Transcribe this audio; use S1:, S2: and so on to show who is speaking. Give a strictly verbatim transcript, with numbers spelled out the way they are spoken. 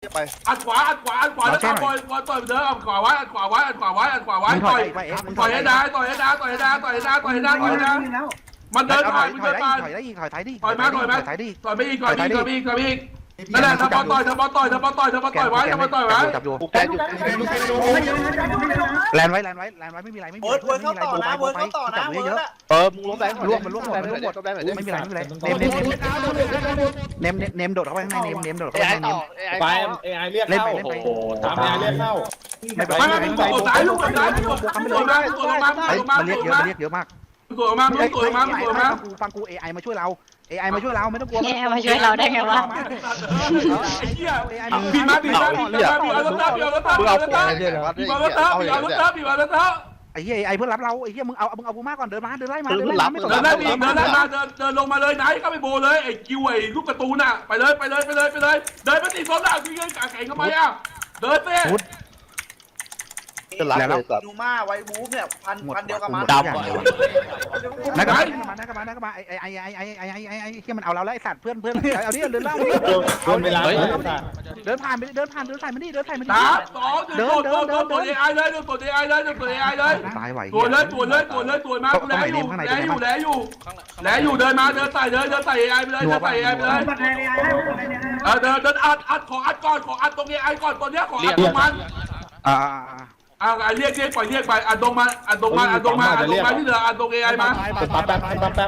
S1: ไป
S2: อัดขวาอัดขวาอัดขวาแล้วต่อยบอลบอลต่อยเดินอัดขวาไว้อัดขวาไว้อัดขวาไว้อัดขวาไว้ต่อยต่อยให้ได้ต่อยให้ได้ต่อยให้ได้ต่อยให้ได้ต่อยให้ได้ต่อยให้ได้มันเดินผ่านมันเดินผ่าน
S3: ถอยได้อีกถอยท้ายดิ
S2: ต่อยมาต่อยมา
S3: ถอยดิ
S2: ต่อยไม่อีกต่อยไม่อีกต่อยไม่อีกต่อยไม่อีกนั่นแหละถ้าบอลต่อยถ้าบอลต่อยถ้าบอลต่อยถ้าบอลต่อยไว้ถ้าบอลต่อยไว้
S3: จับอยู่
S1: กูแกอยู่
S3: แลนไว้แลนไว้แลนไว้ไม่มีไรไม่มี
S4: เวิร์ดเวิร์ดเข้าต่อนะเวิร์ดเข้าต่อนะเวิร์ดอะ
S1: เออมึงล้มแรง
S3: ร่วงมันร่วงหมดมันร่วงหมด
S1: ล้มแรงหน่อยดิ
S3: ไม่มีไรไม่มีไรเนมเนมเนมเนมเนมโดดเข้าไปข้างในเนมเนมโดด
S1: เอ
S3: เข้าไป
S1: ไอ
S3: ข้างใน
S1: ต่อเอไอ
S5: ไป
S1: ต่อ
S5: เอไอเรียกเข้าโอ้โหตามเอไอเรียกเข้า
S3: ไม่เป็น
S2: ไม่
S3: ไร
S2: ไม่มึงตัวซ้ายลูกตัวซ้ายมึงตัวมึงตัวมามึงตัวมามึงตัวมา
S3: มัน
S2: มึ
S3: เรีย
S2: ง
S3: ก
S2: ตัว
S3: เยอะ
S2: มา
S3: มันเรียกเยอะมาก
S2: มึงตัวมามึงตัวมามึงตัวมา
S3: ฟังกูฟังกู เอ ไอ มาช่วยเรา เอ ไอ มาช่วยเราไม่ต้องกลัว
S6: เอ ไอ มาช่วยเราได้ไงวะ
S2: ไอ้เหี้ยบีมาบีมาบีมาบีมาแล้วตาบีมาแล้วตาบีมาแล้วตาบีมาแล้วตาบีมาแล้วตาบีมาแล้วตา
S3: ไอ้เหี้ย เอ ไอ เพื่อนรับเราไอ้เหี้ยมึงเอามึงเอากูมาก่อนเดินมาเดินไล่มา
S2: เดินได้ดีเดินได้มาเดินเดินลงมาเลยไหนก็ไปโบเลยไอ้กิวไอ้ลูกกระตูนน่ะไปเลยไปเลยไปเลยไปเลยเดินไปตีโซนอ่ะคือเงินกาแข่งทำไมอ่ะเดินไป
S1: จะรับเลยสัตว์
S4: ดูมาไวบูฟเนี่ยพันพันเดียวกับมัน
S3: ดำนักกมานักกมานักกมาไอ้ไอ้ไอ้ไอ้ไอ้ไอ้ไอ้ไอ้ที่มันเอาเราแล้วไอ้สัตว์เพื่อนเพื่อนเอาดิเดินเล่าดิ
S5: โดนเวลา
S3: เดินผ่านไปเดินผ่านเดินผ่านมาดิเดินผ่านมาดิ
S2: สามสองหนึ่งโดนโดนโดนตัวเอไอเลยโดนตัวเอไอเลยโดนตัวเอไอเลย
S3: ตายไหว
S2: ตัวเลยตัวเลยตัวเลยตัวมาแล้อยู่แล้วอยู่แล้วอยู่แล้วอยู่เดินมาเดินใส่เดินเดินใส่เอไอไปเลยเดินใส่เอไอไปเลยเออเดินเดินอัดอัดขออัดก่อนขออัดตรงเอไอก่อนตัวเนี้ยขออัดตรงมัน
S3: อ่า
S2: อ่าเรียกเรียกปล่อยเรียกไปอัดตรงมาอัดตรงมาอัดตรงมาอัดตรงมาที่เหลืออัดตรงเอไอมา
S5: ปั๊บแป๊บปั๊บแป๊บ